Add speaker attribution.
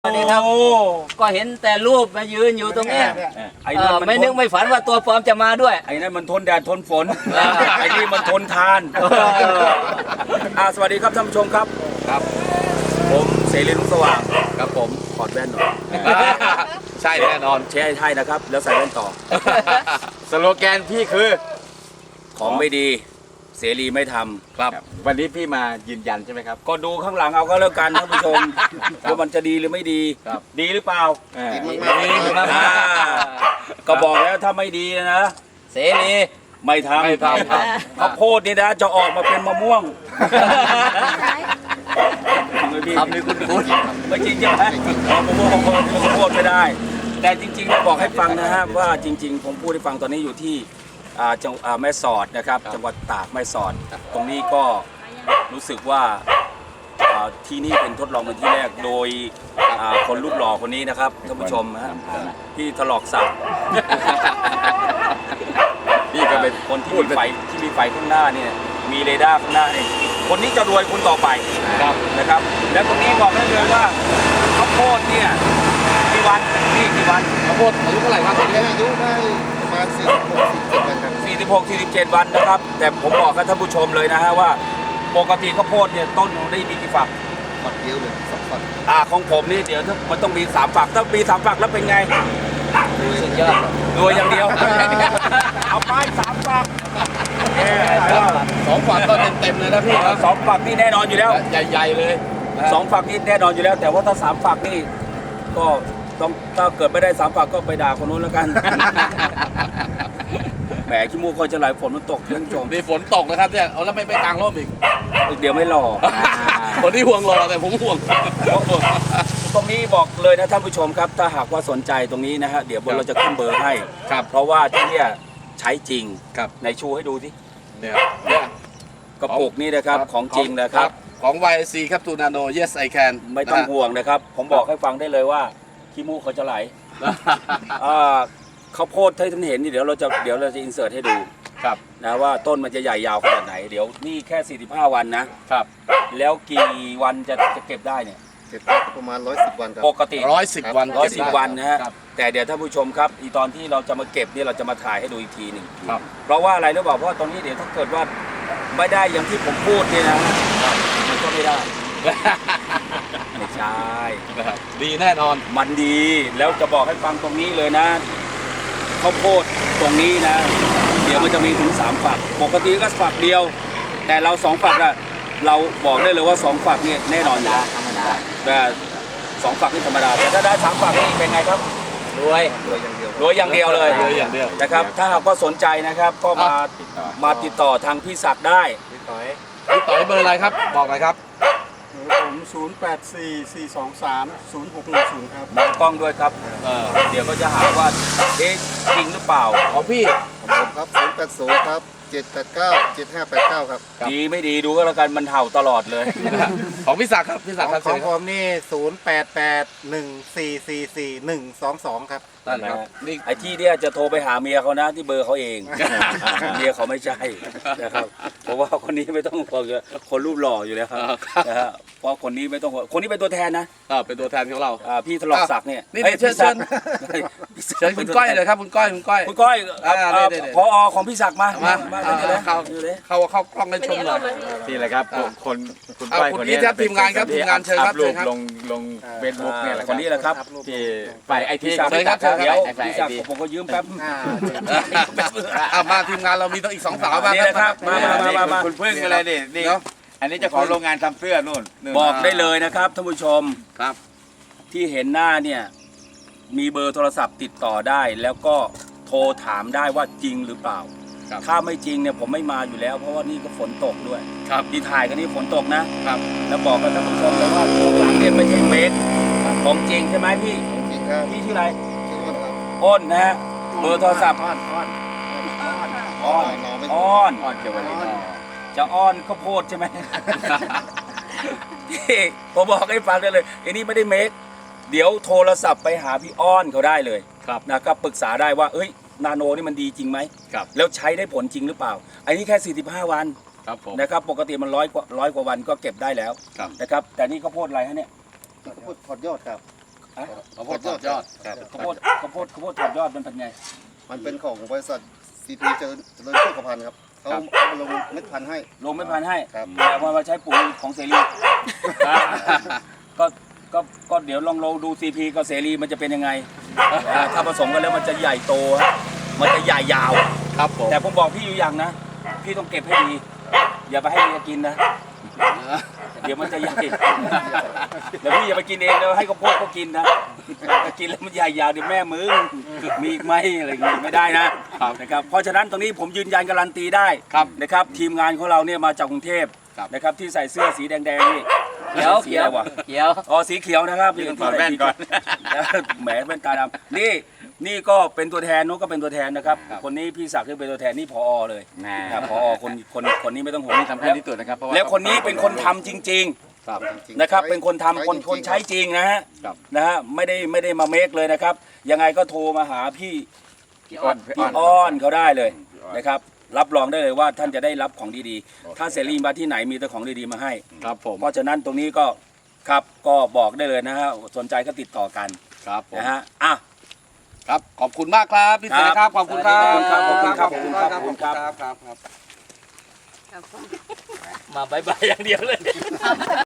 Speaker 1: สวัสดีครับก็เห็นแต่รูปมายืนอยู่ตรงนี้ไม่นึกไม่ฝันว่าตัวปลอมจะมาด้วย
Speaker 2: ไอ้นั่นมันทนแดดทนฝนไอ้นี่มันทนทานสวัสดีครับท่านผู้ชมครับครับผมเสรีรุ่งสว่างครับผมถอดแว่นหน่อย
Speaker 3: ใช่แน่นอน
Speaker 2: ใช่นะครับแล้วใส่แว่นต่อ
Speaker 3: สโลแกนพี่คือ
Speaker 2: ของไม่ดีเสรีไม่ทำ
Speaker 3: ครับวันนี้พี่มายืนยันใช่ไหมครับ
Speaker 2: ก็ดูข้างหลังเอาก็แล้วกันท่านผู้ชมว่ามันจะดีหรือไม่ดีดีหรือเปล่า
Speaker 3: ดี
Speaker 2: มากก็บอกแล้วถ้าไม่ดีนะเสรีไม่ทำข้าวโพดนี่นะจะออกมาเป็นมะม่วง
Speaker 1: ทำนี่คุณ
Speaker 2: ไม่จริงใช่ไหมมะม่วงข้าวโพดไม่ได้แต่จริงๆบอกให้ฟังนะฮะว่าจริงๆผมพูดให้ฟังตอนนี้อยู่ที่จังหวัดแม่สอดนะครับจังหวัดตากแม่สอดตรงนี้ก็รู้สึกว่าที่นี่เป็นทดลองเป็นที่แรกโดยคนรูปหล่อคนนี้นะครับท่านผู้ชมฮะที่ถลอกสับนี่ก็เป็นคนที่มีไฟข้างหน้าเนี่ยมีเรดาร์ข้างหน้าเนี่ยคนนี้จะรวยคนต่อไปนะครับและตรงนี้บอกได้เลยว่าข้าวโพดเนี่ยกี่วันนี่กี่วัน
Speaker 3: ข้าวโพดอายุเท่าไหร่ครับตอนนี้
Speaker 4: อายุได้ประมาณ
Speaker 2: 46-47 วันนะครับแต่ผมบอกกับท่านผู้ชมเลยนะฮะว่าปกติข้าวโพดเนี่ยต้นได้มีกี่ฝัก
Speaker 4: เดียวเลย2 ฝัก
Speaker 2: ของผมนี่เดี๋ยวมันต้องมี3 ฝักถ้ามี3 ฝักแล้วเป็นไง
Speaker 1: สุดยอด
Speaker 2: รวยอย่างเดียวเอาไป3 ฝัก
Speaker 3: 2 ฝักก็เต็มเลยนะพี่
Speaker 2: 2 ฝักนี่แน่นอนอยู่แล้ว
Speaker 3: ใหญ่ๆเลย
Speaker 2: 2 ฝักนี่แน่นอนอยู่แล้วแต่ว่าถ้า3 ฝักนี่ก็ต้องถ้าเกิดไม่ได้3 ฝักก็ไปด่าคนนู้นแล้วกันแหมขี้มูกคอยจะไหลฝนมันตกท่านผู้ชม
Speaker 3: มีฝนตกนะครับเนี่ยเอาแล้วไม่ไปกลางร่มอีก
Speaker 2: เดี๋ยวไม่รอ
Speaker 3: คนที่ห่วงรอแต่ผมห่วง
Speaker 2: ตรงนี้บอกเลยนะท่านผู้ชมครับถ้าหากว่าสนใจตรงนี้นะฮะเดี๋ยวเราจะขึ้นเบอร์ให้
Speaker 3: ครับ
Speaker 2: เพราะว่าที่นี่ใช้จริง
Speaker 3: ครับ
Speaker 2: ในชูให้ดูสิ
Speaker 3: เนี่ย
Speaker 2: กระปุกนี้นะครับของจริงนะครับ
Speaker 3: ของ YC ครับตูนาโน Yes I Can
Speaker 2: ไม่ต้องห่วงนะครับผมบอกให้ฟังได้เลยว่าขี้มูกเขาจะไหลข้าวโพดที่ท่านเห็นนี่เดี๋ยวเราจะอินเสิร์ตให้ดู
Speaker 3: ครับ
Speaker 2: นะว่าต้นมันจะใหญ่ยาวขนาดไหนเดี๋ยวนี่แค่45 วันนะครับแล้วกี่วันจะเก็บได้เนี่ย
Speaker 4: เก็บได้ประมาณ110 วันครับ
Speaker 2: ปกติ
Speaker 3: 110 วัน
Speaker 2: 110 วันนะฮะแต่เดี๋ยวท่านผู้ชมครับอีตอนที่เราจะมาเก็บนี่เราจะมาถ่ายให้ดูอีกทีหนึ่งเพราะว่าอะไรรู้เปล่าเพราะว่าตรงนี้เดี๋ยวถ้าเกิดว่าไม่ได้อย่างที่ผมพูดนี่นะมันก็ไม่ได้ไม่ใช่
Speaker 3: ดีแน่นอน
Speaker 2: มันดีแล้วจะบอกให้ฟังตรงนี้เลยนะข้าวโพดตรงนี้นะเดี๋ยวมันจะมีถึง3 ฝักปกติก็ฝักเดียวแต่เรา2 ฝักอะเราบอกได้เลยว่า2 ฝักนี่แน่นอนอยู่แล้ว
Speaker 1: ธรรมดา
Speaker 2: แต่2 ฝักนี่ธรรมดาแต่ถ้าได้3 ฝักนี่เป็นไงครับ
Speaker 1: รวย
Speaker 2: อย่างเดียวเลยนะครับถ้าหากว่าสนใจนะครับก็มาติดต่อทางพี่ศักดิ์ได้
Speaker 3: พี่ต่อยเบอร์อะไรครับบอกหน่อยครับ
Speaker 4: ผม0844230610ครับ
Speaker 2: บังกล้องด้วยครับเดี๋ยวก็จะหาว่าจริงหรือเปล่า
Speaker 3: ของพี่
Speaker 4: ผมครับ080ครับ7897589ครับ
Speaker 2: ดีไม่ดีดูก็แล้วกันมันเห่าตลอดเลย
Speaker 3: ของพี่ศักดิ์ครับพี่ศักดิ์
Speaker 4: ของผมนี่0881444122ครับ
Speaker 2: นั่นแหละไอ้ที่เนี่ยจะโทรไปหาเมียเขานะที่เบอร์เขาเองเมียเขาไม่ใช่นะครับเพราะว่าคนนี้ไม่ต้องคนรูปหล่ออยู่แล้วครับนะฮะเพราะคนนี้ไม่ต้องคนนี้เป็นตัวแทนนะ
Speaker 3: เป็นตัวแทนของเรา
Speaker 2: พี่ถลอกศักดิ์เนี่ย
Speaker 3: นี่เชิญคุณก้อยเลยครับคุณก้อย
Speaker 2: พอของพี่ศักดิ์มา
Speaker 3: เข้ากล้องให้ชมหน่อย
Speaker 5: นี่แหละครับคน
Speaker 3: ก้อยคนนี้ทีมงานครับทีมงานเชิญครับ
Speaker 5: ลงเฟซบุ๊กเนี่ยแหละ
Speaker 2: คนนี้แหละครับ
Speaker 5: ที่ฝ่ายไอที
Speaker 2: เดี๋ยวพี่ศักดิ์ผมก็ยืมแป๊บ
Speaker 3: มาทีมงานเรามีต้องอีก2 สาวมา
Speaker 2: ครับมา
Speaker 5: คุณพึ่งอะไรนี่อันนี้จะขอโรงงานทำเสื้อนู่น
Speaker 2: บอกได้เลยนะครับท่านผู้ชม
Speaker 3: ครับ
Speaker 2: ที่เห็นหน้าเนี่ยมีเบอร์โทรศัพท์ติดต่อได้แล้วก็โทรถามได้ว่าจริงหรือเปล่าถ้าไม่จริงเนี่ยผมไม่มาอยู่แล้วเพราะว่านี่ก็ฝนตกด้วยที่ถ่ายกันนี่ฝนตกนะครับแล้วบอกกับท่านผู้ชมเลยว่าหลังเนี่ยไม่ใช่เมคของจริงใช่ไหมพี่
Speaker 4: จริงครับ
Speaker 2: พี่ชื่ออะไรอ้นนะฮะเบอร์โทรศัพท์อ้อนเกี่ยวกับจะอ้อนข้าวโพดใช่ไหมผมบอกให้ฟังได้เลยไอ้นี่ไม่ได้เมคเดี๋ยวโทรศัพท์ไปหาพี่อ้อนเขาได้เลยนะครับปรึกษาได้ว่านาโนนี่มันดีจริงไหมแล้วใช้ได้ผลจริงหรือเปล่าอันนี้แค่45 วันนะครับปกติมัน100 กว่าวันก็เก็บได้แล้วนะครับแต่นี่ข้าวโพดอะไรฮะเนี่ย
Speaker 4: ข้าวโพดถอดยอดครับ
Speaker 3: ข้าวโพดยอดครับ
Speaker 2: ข้าวโพดถอดยอดมันเป็นไง
Speaker 4: มันเป็นของบริษัทซีพีเจริญโภคภัณฑ์ครับเขาเอาลงเม็ดพันธุ์ให้
Speaker 2: ลงไม่พันให้
Speaker 4: ครับ
Speaker 2: แต่ว่ามาใช้ปุ๋ยของเสรีก็ก็เดี๋ยวลองดูซีพีกับเสรีมันจะเป็นยังไงถ้าผสมกันแล้วมันจะใหญ่โตฮะมันจะใหญ่ยาว
Speaker 3: ครับผม
Speaker 2: แต่ผมบอกพี่อยู่อย่างนะ พี่ต้องเก็บให้ดี อย่าไปให้เมียกินนะ เดี๋ยวมันจะใหญ่เดี๋ยวพี่อย่าไปกินเองแล้วให้ข้าวโพดเขากินนะกินแล้วมันใหญ่ยาวเดี๋ยวแม่มึงมีอีกไหมอะไรอย่างงี้ไม่ได้นะนะครับเพราะฉะนั้นตรงนี้ผมยืนยันการันตีได้นะครับทีมงานของเราเนี่ยมาจากกรุงเทพนะครับที่ใส่เสื้อสีแดงๆนี่
Speaker 1: เขียว
Speaker 2: สีอะไรวะ
Speaker 1: เขียว
Speaker 2: อ๋อสีเขียวนะครับ
Speaker 5: ถอดแว่นก่อน
Speaker 2: แหมแว่นตาดำนี่ก็เป็นตัวแทนนู้นก็เป็นตัวแทนนะครับคนนี้พี่ศักดิ์ที่เป็นตัวแทนนี่ผอเลย ครับพอคนนี้ไม่ต้องห่วง
Speaker 5: นี่สำคัญที่สุดนะครับเพราะว่า
Speaker 2: แล้วคนนี้เป็นคนทำจริง
Speaker 3: ครับ
Speaker 2: ๆนะครับเป็นคนทำคนใช้จริงนะฮะ
Speaker 3: ครับ
Speaker 2: นะฮะไม่ได้มาเมคเลยนะครับ ยังไงก็โทรมาหาพี่
Speaker 5: พี่อ้อน
Speaker 2: อ้อนเขาได้เลยนะครับรับรองได้เลยว่าท่านจะได้รับของดีๆถ้าเสรีมาที่ไหนมีแต่ของดีๆมาให้
Speaker 3: ครับผม
Speaker 2: เพราะฉะนั้นตรงนี้ก็ครับก็บอกได้เลยนะฮะสนใจก็ติดต่อกัน
Speaker 3: ครับผม
Speaker 2: นะฮะอ่ะ
Speaker 3: ครับ ขอบคุณมากครับพี่เสือครับ ขอบคุณครับ
Speaker 2: ขอบคุณครับขอบคุณครับขอบคุณครับขอบคุณครับ
Speaker 3: ครับ
Speaker 1: มาบายบายอย่างเดียวเลย